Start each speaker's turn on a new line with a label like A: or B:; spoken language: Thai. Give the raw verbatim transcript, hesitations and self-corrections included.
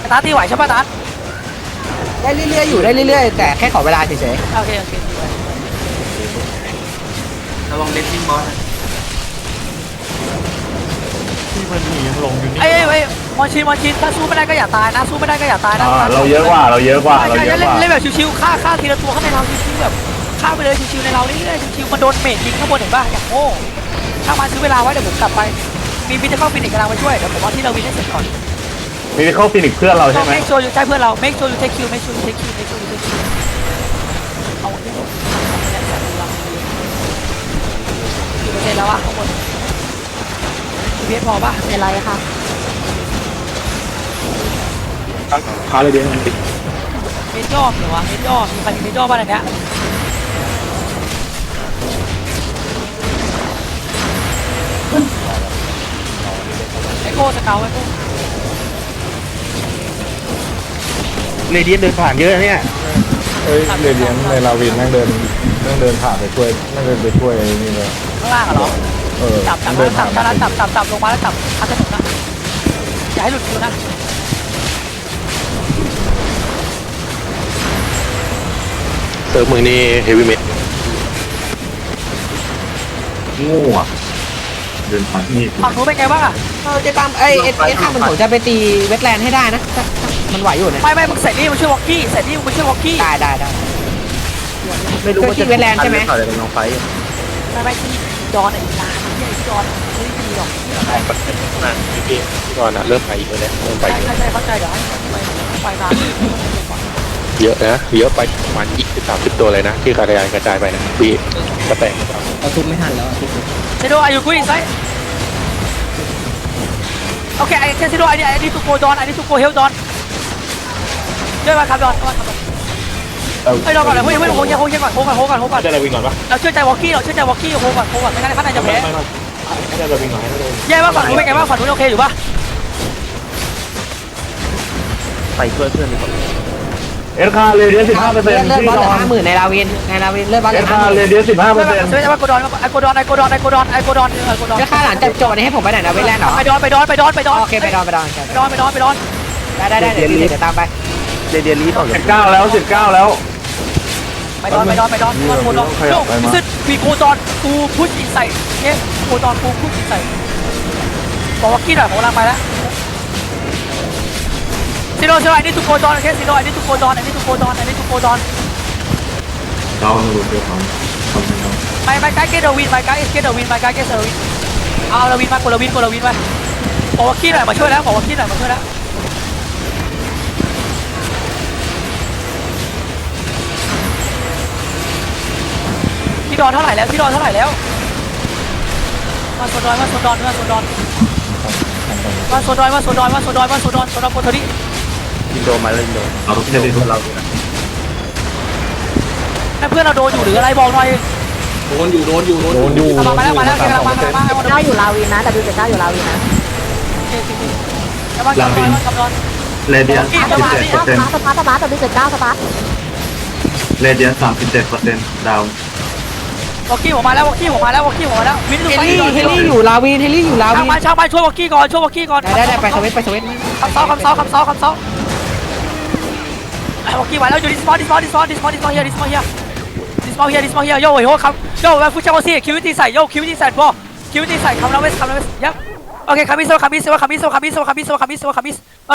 A: ตาตีไหวใช่ป่ะตา
B: ได้เรื่อยๆอยู่ได้เรื่อยๆแต่แค่ขอเวลาเฉย
A: โอเคโอเคดีไว้
C: ระวังเลนซิ่งบอส
D: ที่มันหนียังลงอยู่นี่
A: ไอ้ไอ้มอนชินมอนชินถ้าสู้ไม่ได้ก็อย่าตายนะสู้ไม่ได้ก็อย่าตายนะ
E: เราเยอะกว่าเราเยอะกว่าเราเยอะ
A: เล่
E: ก
A: น
E: ว่า
A: เล่นแบบชิวๆฆ่าฆ่าทีละตัวข้างในเราชิวๆแบบฆ่าไปเลยชิวๆในเราเรื่อยๆชิวๆมันโดนเมจยิงข้างบนเห็นป่ะอย่างโง่ถ้ามาซื้อเวลาไว้เดี๋ยวผมกลับไปมีวิทย์จะเข้าฟินิกกำลังไปช่วยเดี๋ยวผมเอาที่เราวินให้เสร็จก่อน
E: มีเข้าฟินิกเพื่อนเราใช่ไหม
A: เมคชัวร์อยู่ใช่เพื่อนเราเมคชัวร์อยู่เทคคิวเมคชัวร์อยู่เทคคิวเมคชัวร์อยู่เทคคิวเอาเรื่องกี่เปอร์เซ็นต์แล้ววะข้างบนเพียพอป่ะ
F: เป็นไรคะ
D: ขาเลยเดียว
A: เมจ่อเหรอวะเมจ่อมีใครมีเมจ่อบ้างในเนี้ยไอโก้สเกลไอโก้
D: เรเดียนเดินผ่านเยอะเนี่ย
G: เอ้ยเรเดียนในลาวินนั่งเดินนั่งเดินผ่านไปช่วยนั่งเดินไปช่วยนี่เลย
A: ข้างล่างเหรอ
G: เออ
A: จับจับ
G: เดิน
A: จั
G: ผ่า
A: บ
G: น
A: จับจับจับจับลงมาแล้วจับพัดถนนนะอย่าให้หลุดคิวนะ
D: เติมมือนี่เฮฟวี่เมท
E: งูอ่ะเดินผ่านนี่
A: ฝั่งนู้นเป็นไงบ้างอ่ะ
B: ๆเออจะตามไอ้เอสเอสข้างมันผมจะไปตีเวทแลนด์ให้ได้นะถ้าถ้ามันไหวอยู่เนี่ย
A: ไม่ไม่มึงใส่นี่มึงช่วยวอกกี้ใส่นี่มึงช่วยวอกกี้
B: ได้ได้ได้
C: ไม่รู้ว่าจะ
B: เวทแลนด์ใช่ไหม
C: อะไรเป็นน้องไฟ
A: ไม่ไม่ที่จอนไอ้ตาไอ้จอนไม่ดีหรอก
D: พี่ก่อนนะเริ่มไปอีกแล้วเริ่มไป
A: ใช่
D: เยอะ
A: ใช่เข้าใจเดี๋ยวให้ไปไปตาม
D: เยอะนะเยอะไปประมาณยี่สิบสามสิบตัวเลยนะที่กระจายกระจายไปนะพี่กระแตก
B: เอาทุบไม่ทันแล้วทุบ
A: เซโดอายุกุ้ยไซโอเคไอ้เซโดไอ้นี่ไอ้นี่ตุโกดอนไอ้นี่ตุโกเฮลดอนช่วยมาครับดอนมาครับไอ้ดอนก่อนเลยเฮ้ยเฮ้ยโฮยังโฮยังก่อนโฮก่อนโฮก่อนโฮก่อน
D: จะเราวิ่งก่อนปะ
A: เราเชื่อใจวอกกี้เราเชื่อใจวอกกี้โฮก่อนโฮก่อนไม่งั้นข้างในจะแพ้
D: ไม่ไม่ไม่จะเราวิ่งก่อนให้เรา
A: แย่ว่าฝั่งนู้นเป็นไงบ้างฝั่งนู้นโอเคอยู่ป่ะ
C: ไปช่วยเพื่อนดีกว่า
E: เอสคาเรเดียสิบห้าเปอร์เซ็นต์
B: เลือด
E: ที่
B: บอลเห
E: น
B: ลือ
E: อน
B: ห้าหมื่นในลาวินในลาวินเลือดบอลเห
E: เอ
B: ลื
E: ส
B: อห้า
E: คา
B: หมื่น
E: เรเดียสิบห้าเปอร์เซ็นต์
A: เชื่อใจว่าโกดอนไอโกดอนไอโกดอนไอโกดอนไอโกดอนไอโกดอน
B: แล้วค่าหลังจากจบนี้ให้ผมไปไหนนะเวทแลนด์เหรอ
A: ไปดอนไปดอนไปดอนไปดอน
B: โอเคไปดอนไปดอน
A: ไปดอนไปดอนไปดอน
B: ได้ได้ได้เดี๋ยวเดี๋ยวตามไป
C: เรเดียนลีต่อ
E: สิบเก้าแล้วสิบเก้าแล้ว
A: ไปดอนไปดอนไปดอนโกดอนโยมิสึวีโกดอนกูพุชอินใส่เนี่ยโกดอนกูพุชอินใส่บอกว่ากี้หน่อยผมกำลังไปแล้วซีโร่ซีโร่ไอ้นี่ตุโกดอนโอเคซีโร่ไอ้นี่ตุโกดอนไอ้นี่ตุโกดอนไอ้นี่ตุโกดอน
E: เราดูเดี๋ยวทำทำให้เรา
A: ไปไปไกด์เกตเดอร์วินไปไกด์เกตเดอร์วินไปไกด์เกตเดอร์วินเอาเดอร์วินมากดเดอร์วินกดเดอร์วินไปบอกว่ากี้หน่อยมาช่วยแล้วบอกว่ากี้หน่อยมาช่วยแล้วพี่ดอนเท่าไหร่แล้วพี่ดอนเท่าไหร่แล้วมาโซดอนมาโซดอนมาโซดอนมาโซดอนมาโซดอนมาโซดอนมาโซดอนโซดอนโพทอรี่
C: ยิงโดนมาเลยยิงโดน
E: เราจะได้ดูเรา
A: ให้เพื่อนเราโดนอยู่หรืออะไรบอกหน่อย
G: โดนอยู่โดนอยู่
A: มามาแล้วมาแล้วกำลังมากำลังมา
F: เก้าอยู่ลาวินนะแต่ดูจากเก้าอยู่ลาวินนะ
A: กำลังกำลังกำลัง
E: เรเดียน
F: ส
E: สามสิบ
F: ปาร์
E: เจ็ด
F: ต
E: เปอร์เซ็นต์
F: สปาร์ตสปาร์ตแต่ดูจากเก้าสปาร์ต
E: เรเดียนสามสิบเจ็ดเปอร์เซ็นต์ดาว
A: วอกกี้ผมมาแล้ววอกกี้ผมมาแล้ววอกกี้ผมมาแล้ววินดู
B: เฮ
A: ไป
B: ลี่เฮลี่อยู่ลาวินเฮลี่อยู่ลา
A: ช่าง
B: วิน
A: มันช่างมันช่วยวอกกี้ก่อนช่วยวอกกี้ก่อน
B: ได้ได้ไปสวิตไปสวิต
A: คำเซาคำเซาคำเซาคำเซาวอกกี้มาแล้วอยู่ดิสมอลดิสมอลดิสมอลดิสมอลดิสมอลเฮียดิสมอลเฮียดิสมอลเฮียดิสมอลเฮียโย่โย่ครับโย่แล้วฟูเจ้าซี่คิวตี้ใส่โย่คิวตี้ใส่บอลคิวตี้ใส่คำนาเวสคำนาเวสยับโอเคคามิโซคามิโซคามิโซคามิโซคามิโซคามิโซคามิโซ